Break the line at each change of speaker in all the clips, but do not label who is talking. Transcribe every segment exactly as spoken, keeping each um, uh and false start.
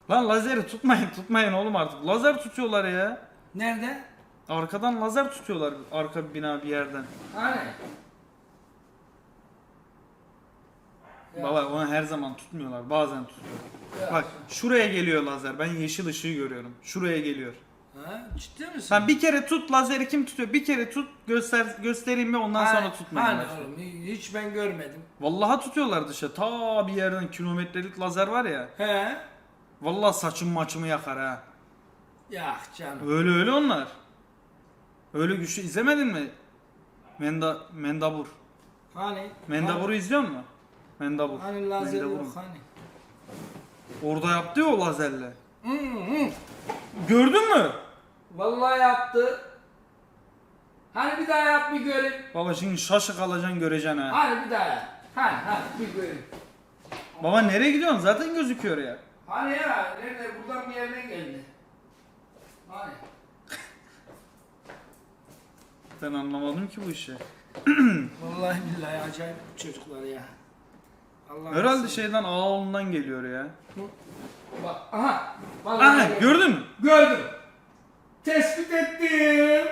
Lan lazeri tutmayın tutmayın oğlum artık. Lazer tutuyorlar ya.
Nerede?
Arkadan lazer tutuyorlar arka bina bir yerden.
Hani? Ya.
Baba onu her zaman tutmuyorlar. Bazen tutuyor.
Ya.
Bak şuraya geliyor lazer. Ben yeşil ışığı görüyorum. Şuraya geliyor.
Ha, ciddi misin?
Sen bir kere tut lazeri kim tutuyor? Bir kere tut göster göstereyim mi ondan
Hani-
sonra tutmaya
Hani
başla.
oğlum hiç ben görmedim.
Vallahi tutuyorlar dışarı. Ta bir yerden kilometrelik lazer var ya.
He?
Vallahi saçım maçımı yakar ha.
Ya canım.
Öyle öyle onlar. Öyle güçlü izlemedin mi? Menda Mendabur.
Hani?
Mendabur'u izliyor musun? Mendabur.
Hani, hani lazer
Mendabur'un.
yok hani.
Orada yaptı ya o lazerle.
Hı hı.
Gördün mü?
Vallahi yaptı. Hani bir daha yap bir göreyim.
Baba şimdi şaşı kalacaksın göreceksin ha.
Hani bir daha yap. Hani hani bir göreyim.
Baba nereye gidiyorsun? Zaten gözüküyor ya.
Hani ya nerede buradan bir yerden geldi. Hani?
Ben anlamadım ki bu işi.
Vallahi billahi acayip çocuklar ya. Allah
Herhalde şeyden ağolundan geliyor ya.
Bak aha. Vallahi
Aha
gördüm.
gördün mü?
Gördüm. Tespit ettim.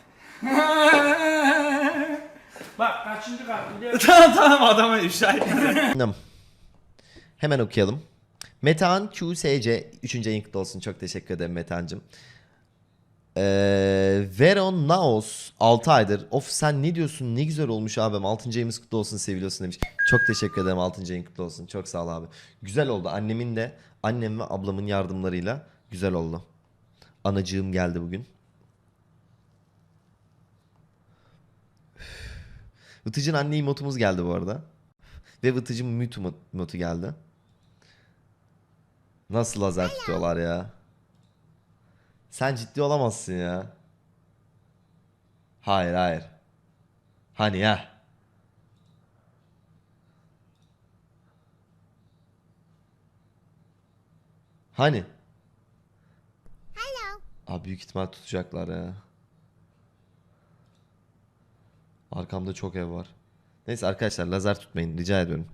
Bak kaçıncı kat biliyor musun?
tamam tamam adamı ifşa etme.
Tamam. Hemen okuyalım. Metehan Q S C üçüncü ayın kutlu olsun. Çok teşekkür ederim Metehan'cığım. Ee, Veron Naos altı aydır. Of sen ne diyorsun? Ne güzel olmuş abim. altıncı ayımız kutlu olsun seviliyorsun demiş. Çok teşekkür ederim altıncı ayın kutlu olsun. Çok sağ ol abi. Güzel oldu. Annemin de annem ve ablamın yardımlarıyla güzel oldu. Anacığım geldi bugün. Vıtıcın anne emotumuz geldi bu arada. Ve Vıtıcın mute emotu geldi. Nasıl lazer tutuyorlar ya? Sen ciddi olamazsın ya. Hayır hayır. Hani ya? Hani? Hello. Abi büyük ihtimal tutacaklar ya. Arkamda çok ev var. Neyse arkadaşlar lazer tutmayın rica ediyorum.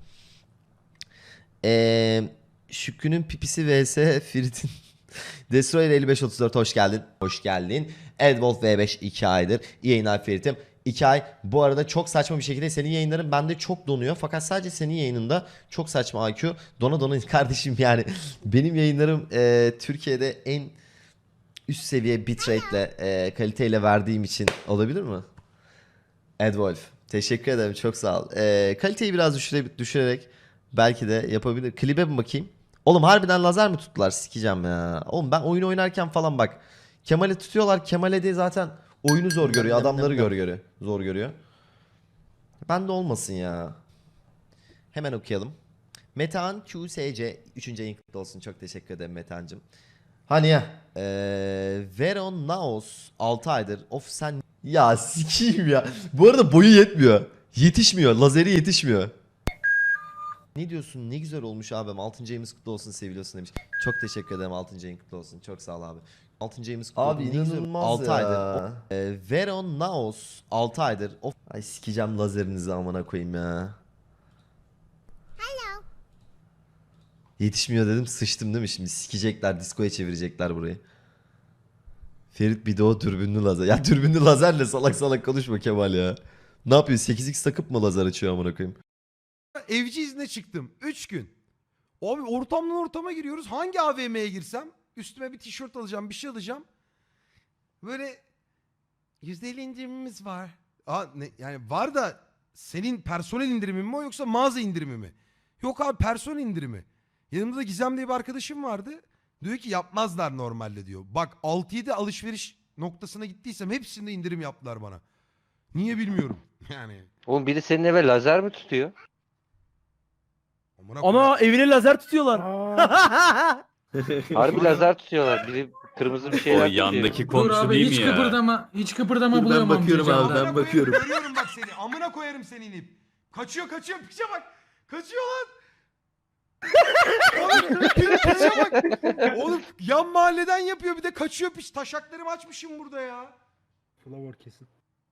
Eee Şükrü'nün pipisi vs Ferit'in Destroyer elli beş otuz dört hoş geldin. Hoş geldin. Edwolf V beş iki aydır. İyi yayınlar Ferit'im. iki ay. Bu arada çok saçma bir şekilde senin yayınların bende çok donuyor. Fakat sadece senin yayınında çok saçma I Q. Dona dona kardeşim yani. Benim yayınlarım e, Türkiye'de en üst seviye bitrate'le e, kaliteyle verdiğim için olabilir mi? Edwolf. Teşekkür ederim. Çok sağ ol. E, kaliteyi biraz düşüre, düşürerek belki de yapabilir. Klibe mi bakayım? Oğlum harbiden lazer mi tuttular? Sikeceğim ya. Oğlum ben oyun oynarken falan bak. Kemal'i tutuyorlar. Kemal'e de zaten oyunu zor görüyor. Adamları gör görüyor. Zor görüyor. Ben de olmasın ya. Hemen okuyalım. Metehan Q S C üçüncü ayın kutlu olsun. Çok teşekkür ederim Metehan'cığım. Hani ya. Ee, Veron Naos altı aydır. Of sen... Ya sikiyim ya. Bu arada boyu yetmiyor. Yetişmiyor. Lazeri yetişmiyor. Ne diyorsun? Ne güzel olmuş abim. altıncı ayımız kutlu olsun seviliyorsun demiş. Çok teşekkür ederim altıncı ayın kutlu olsun. Çok sağ ol abi. altıncı ayımız kutlu
Abi
olsun. Ne güzel-
inanılmaz
altı
ya.
aydır. O- Ee, Veron Naos altı aydır. Of. Ay sikeceğim lazerinizi amına koyayım ya. Yetişmiyor dedim sıçtım değil mi? Şimdi sikecekler diskoya çevirecekler burayı. Ferit bir de o dürbünlü lazer. Ya dürbünlü lazerle salak salak konuşma Kemal ya. Ne yapıyor? sekiz x takıp mı lazer açıyor amına koyayım?
Evci izne çıktım. üç gün. Abi ortamdan ortama giriyoruz. Hangi A V M'ye girsem üstüme bir tişört alacağım, bir şey alacağım. Böyle yüzde elli indirimimiz var. Aa, ne, yani var da senin personel indirimi mi o yoksa mağaza indirimi mi? Yok abi personel indirimi. Yanımda Gizem diye bir arkadaşım vardı. Diyor ki yapmazlar normalde diyor. Bak altı yedi alışveriş noktasına gittiysem hepsinde indirim yaptılar bana. Niye bilmiyorum. Yani.
Oğlum biri senin eve lazer mi tutuyor?
Amına koyayım.
Ana evine lazer tutuyorlar.
Harbi lazer tutuyorlar. Biri kırmızı bir şeyler
O
tutuyor.
yandaki
Dur
komşu
abi
değil
hiç
mi ya?
kıpırdama, hiç kıpırdama
Dur, ben
buluyorum
bakıyorum
amcacığım
abi,
da.
ben
Amına
bakıyorum.
koyarım, Görüyorum bak seni. Amına koyarım seni inip. Kaçıyor kaçıyor piçe bak. Kaçıyor lan. Oğlum piçe bak. Oğlum yan mahalleden yapıyor bir de kaçıyor piç. Taşaklarımı açmışım burada ya.
Flower kesin.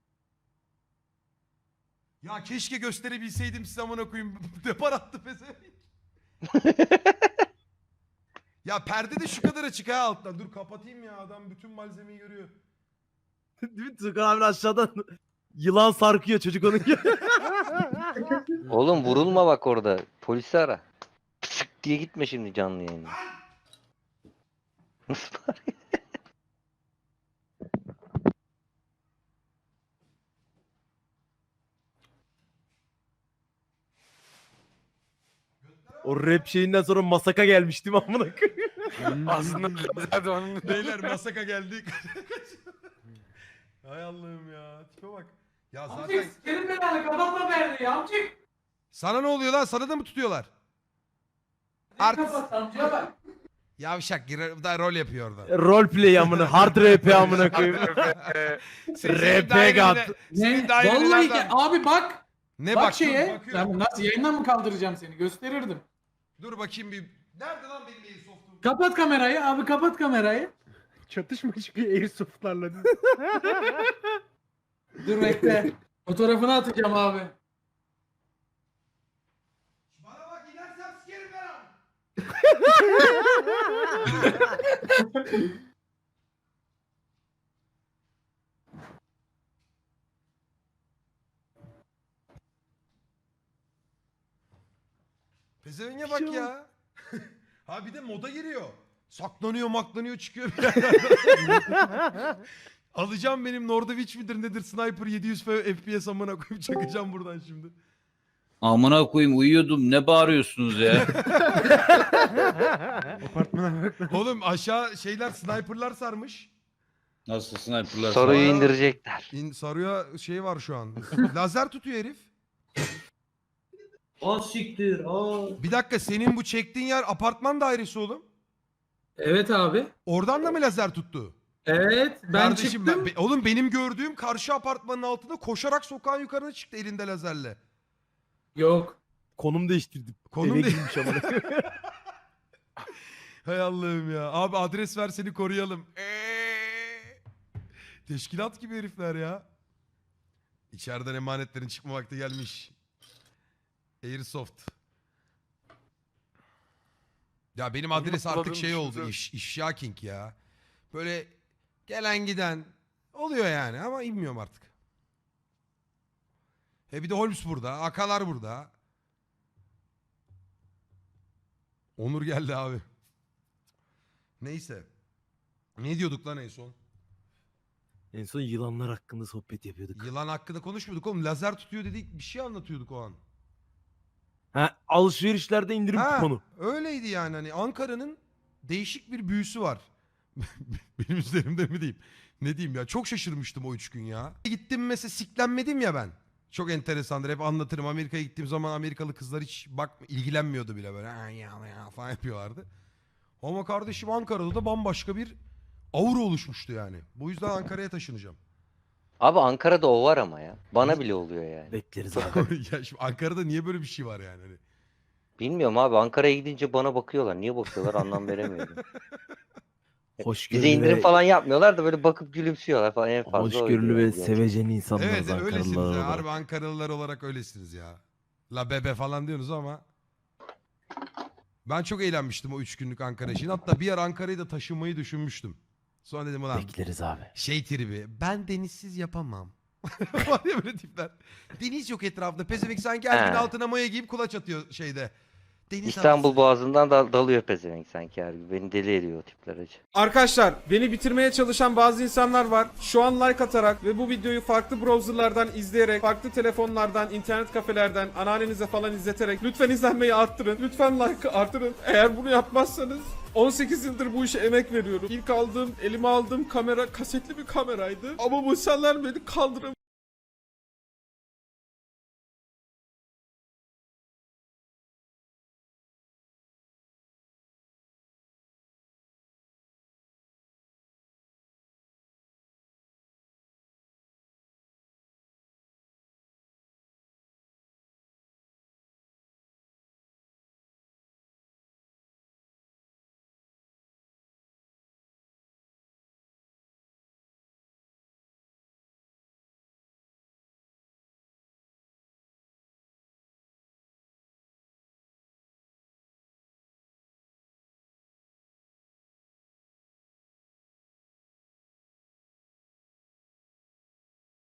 Ya keşke gösterebilseydim size amına koyayım. Depar attı pezevenk. Ya perde de şu kadar açık ha alttan. Dur kapatayım ya, adam bütün malzemeyi görüyor.
Değil mi? Tukan abi aşağıdan yılan sarkıyor çocuk onun gibi.
Oğlum vurulma bak orada. Polisi ara. Pısık diye gitme şimdi canlı yayına. Nasıl var?
O rap şeyinden sonra masaka gelmiş değil mi amına koyayım?
Aslında zaten onun
Beyler masaka geldik. Hay Allah'ım ya. Tipe bak. Ya zaten
Amcık sikerim ben hani kapatma perdeyi amcık.
sana ne oluyor lan? Sana da mı tutuyorlar?
Ne
Artist.
kapat amcaya bak.
Yavşak girer, da rol yapıyor orada.
Roleplay amına, hard rap amına koyayım. R P gat.
Ne?
daireli
Vallahi
nereden?
ki- abi bak.
Ne
bak
bak,
şeye.
dur, bakıyorum.
Ben nasıl yayından mı kaldıracağım seni? Gösterirdim.
Dur bakayım bir. Nerede lan benim Airsoft'um?
Kapat kamerayı abi, kapat kamerayı.
Çatışma çıkıyor airsoftlarla.
Dur bekle. Fotoğrafını atacağım abi.
Bana bak, inersem sikerim ben ha. Pezevenge bak ya. Ha bir de moda giriyor. Saklanıyor maklanıyor çıkıyor bir yerden. Alacağım benim Nordovic midir nedir sniper yedi yüz F P S amına koyup çakacağım buradan şimdi.
Amına koyayım uyuyordum. Ne bağırıyorsunuz ya?
Apartmana bak.
Oğlum aşağı şeyler sniperlar sarmış.
Nasıl sniperlar?
Soruyu
Aa.
indirecekler.
İn, sarıya şey var şu an. Lazer tutuyor herif.
O siktir. Aa.
Bir dakika, senin bu çektiğin yer apartman dairesi oğlum.
Evet abi.
Oradan da mı lazer tuttu?
Evet ben
Kardeşim
çıktım.
ben, be- oğlum benim gördüğüm karşı apartmanın altında koşarak sokağın yukarına çıktı elinde lazerle.
Yok.
Konum değiştirdim.
Konum
Eve
de-
girmiş amına.
Hay Allah'ım ya. Abi adres ver seni koruyalım. Eee. Teşkilat gibi herifler ya. İçeriden emanetlerin çıkma vakti gelmiş. Airsoft. Ya benim adres artık
Unutmadığım
şey oldu.
düşünce-
İş, ifşa king ya. Böyle gelen giden oluyor yani ama bilmiyorum artık. E bir de Holmes burada. Akalar burada. Onur geldi abi. Neyse. Ne diyorduk lan en son?
En son yılanlar hakkında sohbet yapıyorduk.
Yılan hakkında konuşmuyorduk oğlum. Lazer tutuyor dedik. Bir şey anlatıyorduk o an.
Ha, alışverişlerde indirim
Ha,
kuponu.
öyleydi yani. Hani Ankara'nın değişik bir büyüsü var. Benim üzerimde mi diyeyim? Ne diyeyim ya? Çok şaşırmıştım o üç gün ya. Gittim mesela, siklenmedim ya ben. Çok enteresandır. Hep anlatırım. Amerika'ya gittiğim zaman Amerikalı kızlar hiç bak ilgilenmiyordu bile böyle. "Ha, ya, ya" falan yapıyorlardı. Ama kardeşim Ankara'da da bambaşka bir aura oluşmuştu yani. Bu yüzden Ankara'ya taşınacağım.
Abi Ankara'da o var ama ya. Bana bile oluyor yani.
Bekleriz abi.
Ya şimdi Ankara'da niye böyle bir şey var yani? Hani
Bilmiyorum abi, Ankara'ya gidince bana bakıyorlar. Niye bakıyorlar anlam veremiyorum.
Hoşgörülü
Bize indirim
ve,
falan yapmıyorlar da böyle bakıp gülümsüyorlar falan, en fazla.
hoşgörülü
oydu
ve
yani.
sevecen insanlar
Evet öylesiniz ya.
Ankaralılar
Harbi
olarak.
Ankaralılar olarak öylesiniz ya. La bebe falan diyorsunuz ama. Ben çok eğlenmiştim o üç günlük Ankara için. Hatta bir yer Ankara'yı da taşınmayı düşünmüştüm. Sonra dedim ulan
Bekleriz abi.
şey tribi. Ben denizsiz yapamam. Var ya böyle tipler. Deniz yok etrafında. Pezevenk sanki her gün
He.
altına maya giyip kulaç atıyor şeyde. Deniz
İstanbul
havası.
Boğazı'ndan da dalıyor pezevenk sanki her gün. Beni deli ediyor o tipler acı.
Arkadaşlar beni bitirmeye çalışan bazı insanlar var. Şu an like atarak ve bu videoyu farklı browserlardan izleyerek, farklı telefonlardan, internet kafelerden, anneannenize falan izleterek lütfen izlenmeyi arttırın. Lütfen like arttırın. Eğer bunu yapmazsanız on sekiz yıldır bu işe emek veriyorum. İlk aldığım, elime aldığım kamera kasetli bir kameraydı. Ama bu insanlar beni kandıramıyor.